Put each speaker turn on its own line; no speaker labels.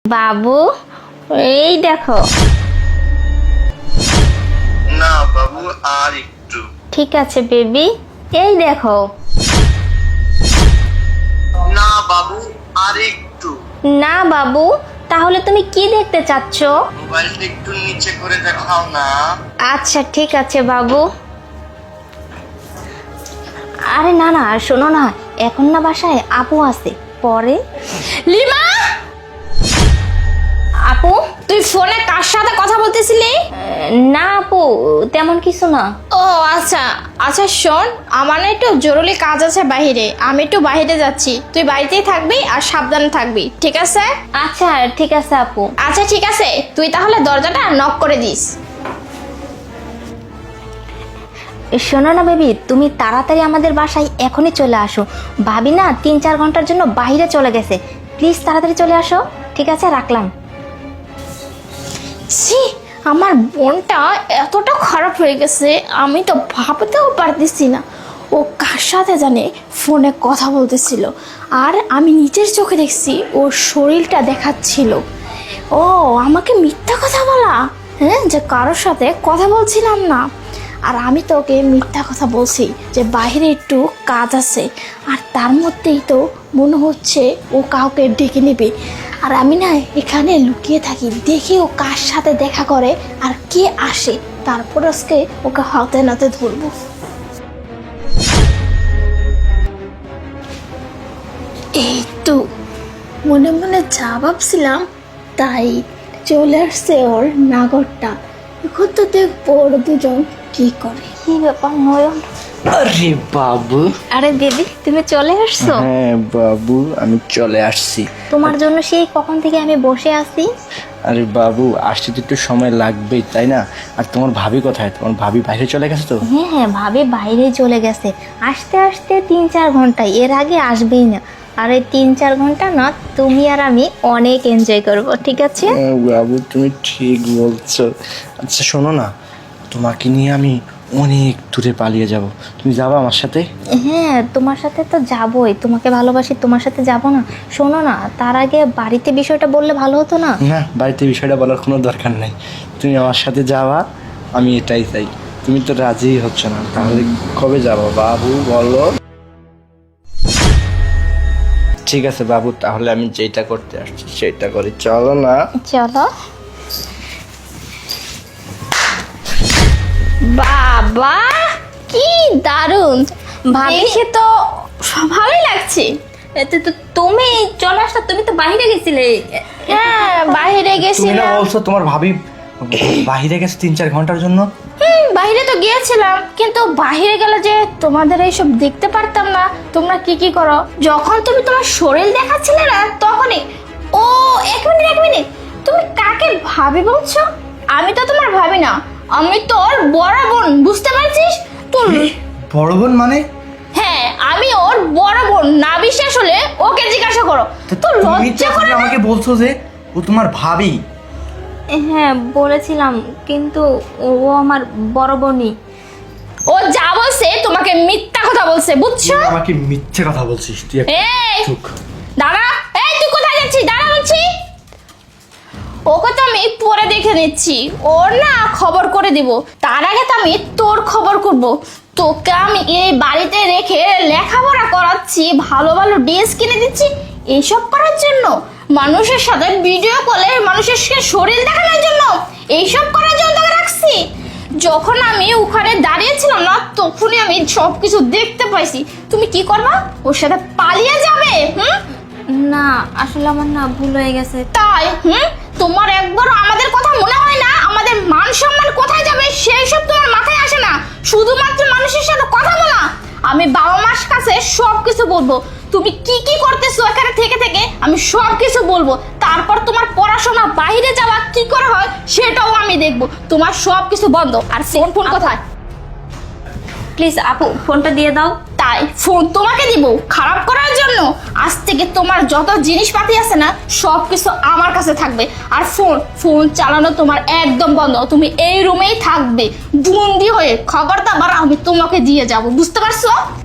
বাবু এই দেখো।
না বাবু, আর একটু।
ঠিক আছে বেবি, এই দেখো।
না বাবু, আর একটু।
না বাবু, তাহলে তুমি কি দেখতে চাচ্ছ?
মোবাইলটা একটু নিচে করে দেখাও না।
আচ্ছা ঠিক আছে বাবু। আরে না না, শোনো না, এখন না বাসায় আপু আছে, পরে।
লিমা,
আপু?
তুই ফোনে কার সাথে কথা বলতেছিলি?
না আপু, তেমন কিছু না।
ও আচ্ছা আচ্ছা, শোন, আমার না একটু জরুরি কাজ আছে বাইরে, আমি একটু বাইরে যাচ্ছি, তুই বাড়িতেই থাকবি আর সাবধানে থাকবি, ঠিক আছে?
আচ্ছা ঠিক আছে আপু।
আচ্ছা ঠিক আছে, তুই তাহলে দরজাটা নক করে দিস।
শোনো না বেবি, তুমি তাড়াতাড়ি আমাদের বাসায় এখনই চলে আসো। ভাবি না 3-4 ঘন্টার জন্য বাইরে চলে গেছে, প্লিজ তাড়াতাড়ি চলে আসো। ঠিক আছে, রাখলাম।
ছি, আমার বোনটা এতটা খারাপ হয়ে গেছে, আমি তো ভাবতেও পারতেছি না। ও কার সাথে জানে ফোনে কথা বলতেছিল, আর আমি নিজের চোখে দেখছি ওর শরীরটা দেখাচ্ছিল। ও আমাকে মিথ্যা কথা বলা, হ্যাঁ, যে কারোর সাথে কথা বলছিলাম না। আর আমি তো ওকে মিথ্যা কথা বলছি যে বাইরে একটু কাজ আছে, আর তার মধ্যেই তো মনে হচ্ছে ও কাউকে ডেকে নেবে। আর আমি না এখানে লুকিয়ে থাকি, দেখি ও কার সাথে দেখা করে আর কে আসে, তারপর আজকে ওকে হাতে নাতে ধরবো। এই তো মনে মনে যা ভাবছিলাম তাই চলে আসছে ওর নাগরটা। এখন তো দেখবো ওর দুজন কি করে।
কি ব্যাপার নয়ন?
আরে বাবু।
আরে বেবি, তুমি চলে আসছো?
হ্যাঁ বাবু, আমি চলে আসছি।
তোমার জন্য সেই কখন থেকে আমি বসে আছি।
আরে বাবু, আসতে তো একটু সময় লাগবেই, তাই না? আর তোমার ভাবি কোথায়? তোমার ভাবি বাইরে চলে গেছে তো?
হ্যাঁ হ্যাঁ, ভাবি বাইরে চলে গেছে, আসতে আসতে 3-4 ঘন্টা, এর আগে আসবেই না। আর এই 3-4 ঘন্টা না, তুমি আর আমি অনেক এনজয় করব, ঠিক আছে?
হ্যাঁ বাবু, তুমি ঠিক বলছো। আচ্ছা শোনো না, তোমাকে নিয়ে আমি অনেক দূরে পালিয়ে যাব, তুমি যাবা আমার সাথে?
হ্যাঁ, তোমার সাথে তো যাবই, তোমাকে ভালোবাসি, তোমার সাথে যাব না? শোনো না, তার আগে বাড়িতে বিষয়টা বললে ভালো হতো না?
না, বাড়িতে বিষয়টা বলার কোনো দরকার নাই, তুমি আমার সাথে যাওয়া, আমি এটাই চাই। তুমি তো রাজি হচ্ছ না, তাহলে কবে যাবো বাবু বলো? ঠিক আছে বাবু, তাহলে আমি যেটা করতে আসছি সেটা করি, চলো না।
চলো।
বাবা কি দারুণ,
ভাবি,
দেখে তো ভালোই লাগছে।
তুমি চলে আসছো, তুমি তো বাইরে গেছিলে।
হ্যাঁ বাইরে
তুমি না
গেছিলাম।
বলছো তোমার ভাবি বাইরে গেছে 3-4 ঘন্টার জন্য?
বাইরে তো গিয়েছিলাম, কিন্তু বাইরে গেলে যে তোমাদের এইসব দেখতে পারতাম না, তোমরা কি কি করো। যখন তুমি তোমার শরীর দেখাচ্ছিলে না, তখনই। ও এক মিনিট এক মিনিট, তুমি কাকে ভাবি বলছো? আমি তো তোমার ভাবি না, আমি তোর বড় বোন, বুঝতে পারছিস? তোর
বড় বোন মানে?
হ্যাঁ, আমি ওর বড় বোন। না বিশ্বাস হলে ওকে জিজ্ঞাসা করো। তো
তুমি
লজ্জা
তো
করে না?
আমাকে বলছো যে ও তোমার ভাবি।
হ্যাঁ বলেছিলাম, কিন্তু ও আমার বড় বোনই।
ও যা বলছে তোমাকে মিথ্যা কথা বলছে, বুঝছো?
তুই আমাকে মিথ্যে কথা বলছিস তুই।
এই
চুপ।
দাঁড়া, এই তুই কোথায় যাচ্ছিস? দাঁড়া বলছি। ওকে তো আমি পরে দেখে নিচ্ছি, ওর না খবর করে দিব। তার আগে তো আমি তোর খবর করব। তোকে আমি এই বাড়িতে রেখে লেখাপড়া করাচ্ছি, ভালো ভালো ড্রেস কিনে দিচ্ছি, এইসব করার জন্য? মানুষের সাথে ভিডিও কলে মানুষের শরীর দেখানোর জন্য? এইসব করার জন্য তোকে রাখছি? যখন আমি ওখানে দাঁড়িয়েছিলাম না, তখনই আমি সবকিছু দেখতে পাইছি। তুমি কি করবা? ওর সাথে পালিয়ে যাবে?
না, আসলে আমার না ভুল হয়ে গেছে।
তাই? তোমার একবারও আমাদের কথা মনে হয় না? আমাদের মান সম্মান কোথায় যাবে সেই সব তোমার মাথায় আসে না, শুধুমাত্র মানুষের সাথে কথা বলা। আমি বাবা মার কাছে সবকিছু বলবো, তুমি কি কি করতেছো এখানে থেকে থেকে, আমি সবকিছু বলবো। তারপর তোমার পড়াশোনা, বাইরে যাওয়া কি করে হয় সেটাও আমি দেখবো। তোমার সবকিছু বন্ধ। আর ফোন ফোন কোথায়?
প্লিজ আপু, ফোনটা দিয়ে দাও।
তাই ফোন তোমাকে দিব খারাপ করার জন্য? আজ থেকে তোমার যত জিনিসপাতি আছে না, সবকিছু আমার কাছে থাকবে। আর ফোন ফোন চালানো তোমার একদম বন্ধ। তুমি এই রুমেই থাকবে বন্দি হয়ে। খবরটা আবার আমি তোমাকে দিয়ে যাব, বুঝতে পারছো?